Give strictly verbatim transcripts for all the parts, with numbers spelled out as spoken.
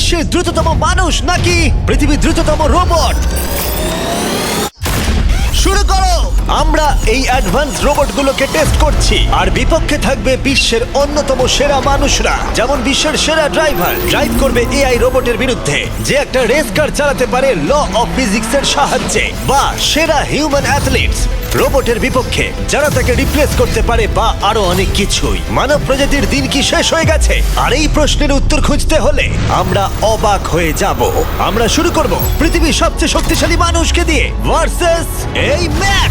বিশ্বের দ্রুততম মানুষ নাকি পৃথিবীর দ্রুততম রোবট? শুরু করো। আমরা এই অ্যাডভান্স রোবটগুলোকে টেস্ট করছি, আর বিপক্ষে থাকবে বিশ্বের অন্যতম সেরা মানুষরা, যেমন বিশ্বের সেরা ড্রাইভার ড্রাইভ করবে এআই রোবটের বিরুদ্ধে, যে একটা রেস কার চালাতে পারে ল অফ ফিজিক্সের সাহায্যে, বা সেরা হিউম্যান অ্যাথলিটস রোবটের বিপক্ষে যারা তাকে রিপ্লেস করতে পারে, বা আরো অনেক কিছুই। মানব প্রজাতির দিন কি শেষ হয়ে গেছে? আর এই প্রশ্নের উত্তর খুঁজতে হলে আমরা অবাক হয়ে যাব। আমরা শুরু করব পৃথিবীর সবচেয়ে শক্তিশালী মানুষকে দিয়ে ভার্সেস এই ম্যাক।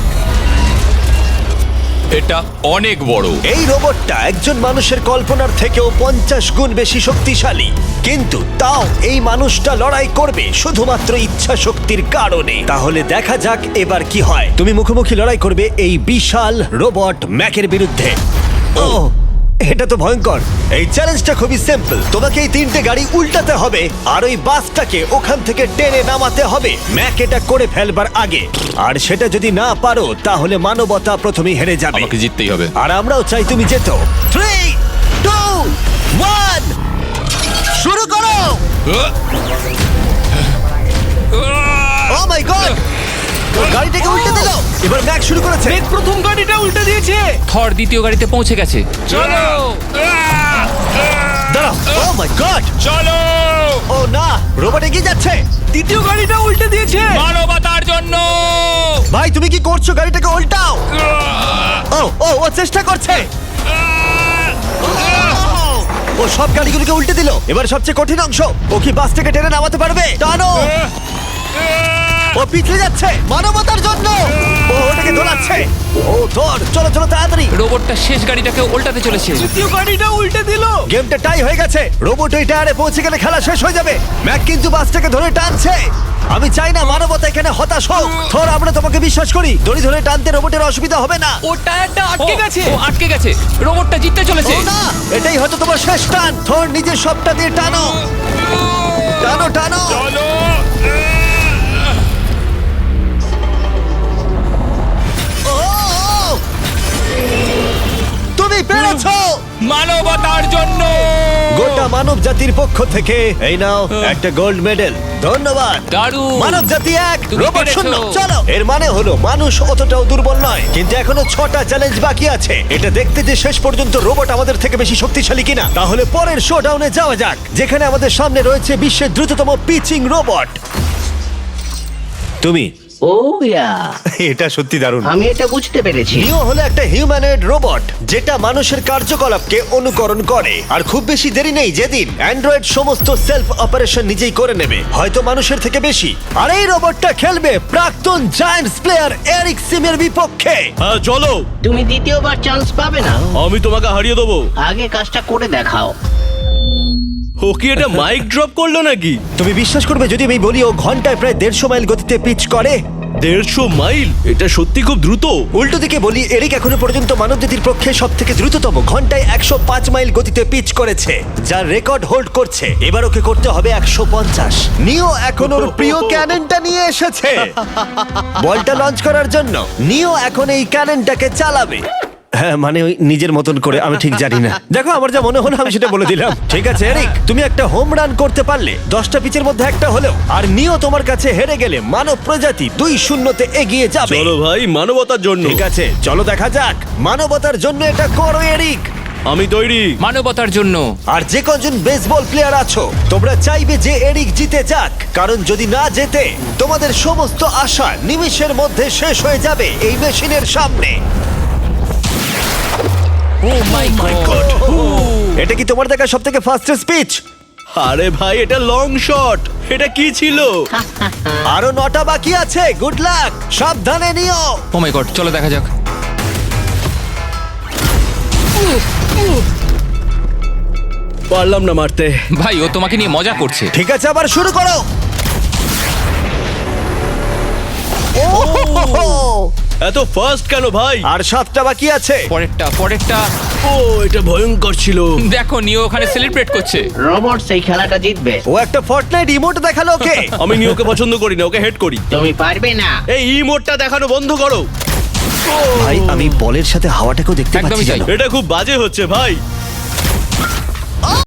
এটা অনেক বড়। এই রোবটটা একজন মানুষের কল্পনার থেকেও পঞ্চাশ গুণ বেশি শক্তিশালী, কিন্তু তাও এই মানুষটা লড়াই করবে শুধুমাত্র ইচ্ছা শক্তির কারণে। তাহলে দেখা যাক এবার কি হয়। তুমি মুখোমুখি লড়াই করবে এই বিশাল রোবট ম্যাকের বিরুদ্ধে। ও, এটা তো ভয়ঙ্কর। এই চ্যালেঞ্জটা খুবই সিম্পল। তোমাকে এই তিনটে গাড়ি উল্টাতে হবে, আর ওই বাসটাকে ওখান থেকে টেনে নামাতে হবে ম্যাক এটা করে ফেলবার আগে। আর সেটা যদি না পারো তাহলে মানবতা প্রথমেই হেরে যাবে। আমাকে জিততেই হবে। আর আমরাও চাই তুমি যেতো। থ্রি টু ওয়ান, শুরু করো। ও মাই গড, গাড়িটাকে উল্টে দিল। এবার ম্যাক শুরু করেছে। প্রথম গাড়িটা উল্টে দিয়েছে। থর দ্বিতীয় গাড়িতে পৌঁছে গেছে। চলো দাঁড়াও। ও মাই গড, চলো। ও না, রোবট এগিয়ে যাচ্ছে। দ্বিতীয় গাড়িটা উল্টে দিয়েছে। মানবতার জন্য। ভাই তুমি কি করছো? গাড়িটাকে উল্টাও। ও ও ও চেষ্টা করছে। ও সব গাড়িগুলোকে উল্টে দিল। এবার সবচেয়ে কঠিন অংশ, ও কি বাস থেকে টেনে নামাতে পারবে? টানো। ও পিছলে যাচ্ছে মানবতার জন্য। ও ওটাকে দোলাচ্ছে। ও ধর, চলো চলো তাড়াতাড়ি। রোবটটা শেষ গাড়িটাকে উল্টাতে চলেছে। দ্বিতীয় গাড়িটা উল্টে দিল। গেমটা টাই হয়ে গেছে। রোবট ওই টায়ারে পৌঁছে গেলে খেলা শেষ হয়ে যাবে। ম্যাক কিন্তু বাসটাকে ধরে টানছে। আমি চাই না মানবতা এখানে হতাশ হোক। থর, আমরা তোমাকে বিশ্বাস করি। দড়ি ধরে টানতে রোবটের অসুবিধা হবে না। ও টায়ারটা আটকে ও, গেছে। ও আটকে গেছে। রোবটটা জিততে চলেছে। ও না, এটাই হয়তো তোমার শেষ টান। থর, নিজের সবটা দিয়ে টানো টানো টানো। চলো। ও, ও, তুমি পেরেছো। মানবতার জন্য। গোটা মানব জাতির পক্ষ থেকে এই নাও একটা গোল্ড মেডেল। ধন্যবাদ। দারুণ। মানব জাতি এক, তুমি রোবট পেরেছো। শূন্য। চলো, এর মানে হলো মানুষ অতটাও দুর্বল নয়, কিন্তু এখনো ছটা চ্যালেঞ্জ বাকি আছে। এটা দেখতে যে শেষ পর্যন্ত রোবট আমাদের থেকে বেশি শক্তিশালী কিনা। তাহলে পরের শোডাউনে যাওয়া যাক, যেখানে আমাদের সামনে রয়েছে বিশ্বের দ্রুততম পিচিং রোবট। তুমি ও ইয়া, এটা সত্যি দারুণ। আমি এটা বুঝতে পেরেছি। নিও হলো একটা হিউম্যানয়েড রোবট যেটা মানুষের কার্যকলাপকে অনুকরণ করে। আর খুব বেশি দেরি নেই যেদিন অ্যান্ড্রয়েড সমস্ত সেলফ অপারেশন নিজেই করে নেবে, হয়তো মানুষের থেকে বেশি। আর এই রোবটটা খেলবে প্রাক্তন জায়ান্টস প্লেয়ার এরিক সিমের বিপক্ষে। হ্যাঁ চলো, তুমি দ্বিতীয়বার চান্স পাবে না। আমি তোমাকে হারিয়ে দেবো। আগে কাজটা করে দেখাও। ও কি এটা মাইক ড্রপ করলো নাকি? তুমি বিশ্বাস করবে যদি আমি বলি ও ঘন্টায় প্রায় দেড়শো মাইল গতিতে পিচ করে? দেড়শো মাইল? এটা সত্যি খুব দ্রুত। উল্টো দিকে বলি, এরিক এখনো পর্যন্ত মানবজাতির পক্ষে সব থেকে দ্রুততম ঘন্টায় একশো পাঁচ মাইল গতিতে পিচ করেছে, যার রেকর্ড হোল্ড করছে। এবার ওকে করতে হবে একশো পঞ্চাশ। নিও এখন ওর প্রিয় ক্যাননটা নিয়ে এসেছে বলটা লঞ্চ করার জন্য। নিও এখন এই ক্যাননটাকে চালাবে। হ্যাঁ, মানে ওই নিজের মতন করে, আমি ঠিক জানি না। দেখো, আমার যা মনে হলো আমি সেটা বলে দিলাম। ঠিক আছে এরিক, তুমি একটা হোম রান করতে পারলে দশটা পিচের মধ্যে একটা হলেও, আর নিও তোমার কাছে হেরে গেলে মানব প্রজাতি দুই শূন্যতে এগিয়ে যাবে। চলো ভাই, মানবতার জন্য। ঠিক আছে, চলো দেখা যাক। মানবতার জন্য এটা করো এরিক। আমি তৈরি। মানবতার জন্য। আর যে কজন বেসবল প্লেয়ার আছো, তোমরা চাইবে যে এরিক জিতে যাক, কারণ যদি না জেতে তোমাদের সমস্ত আশা নিমিষের মধ্যে শেষ হয়ে যাবে এই মেশিনের সামনে। Oh my God. এটা কি তোমার দেখা সব থেকে ফাস্টেস্ট পিচ? আরে ভাই, এটা লং শট। এটা কি ছিল? আরো নটা বাকি আছে। গুড লাক, সাবধানে নিও। ও মাই গড, চলো দেখা যাক। পারলাম না মারতে। ভাই, ও তোমাকে নিয়ে মজা করছে। ঠিক আছে, আবার শুরু করো। ও, এত ফাস্ট কেন ভাই? আর সাতটা বাকি আছে। পরেরটা পরেরটা। ও, এটা ভয়ঙ্কর ছিল। দেখো, নিও ওখানে সেলিব্রেট করছে। রোবট সেই খেলাটা জিতবে। ও একটা ফর্টনাইট ইমোট দেখালো ওকে। আমি নিয়োকে পছন্দ করি না, ওকে হেড করি। তুমি পারবে না। এই ইমোটটা দেখানো বন্ধ করো। ভাই, আমি বলের সাথে হাওয়াটাকেও দেখতে একদমই পাচ্ছি তাই। জানো। এটা খুব বাজে হচ্ছে ভাই।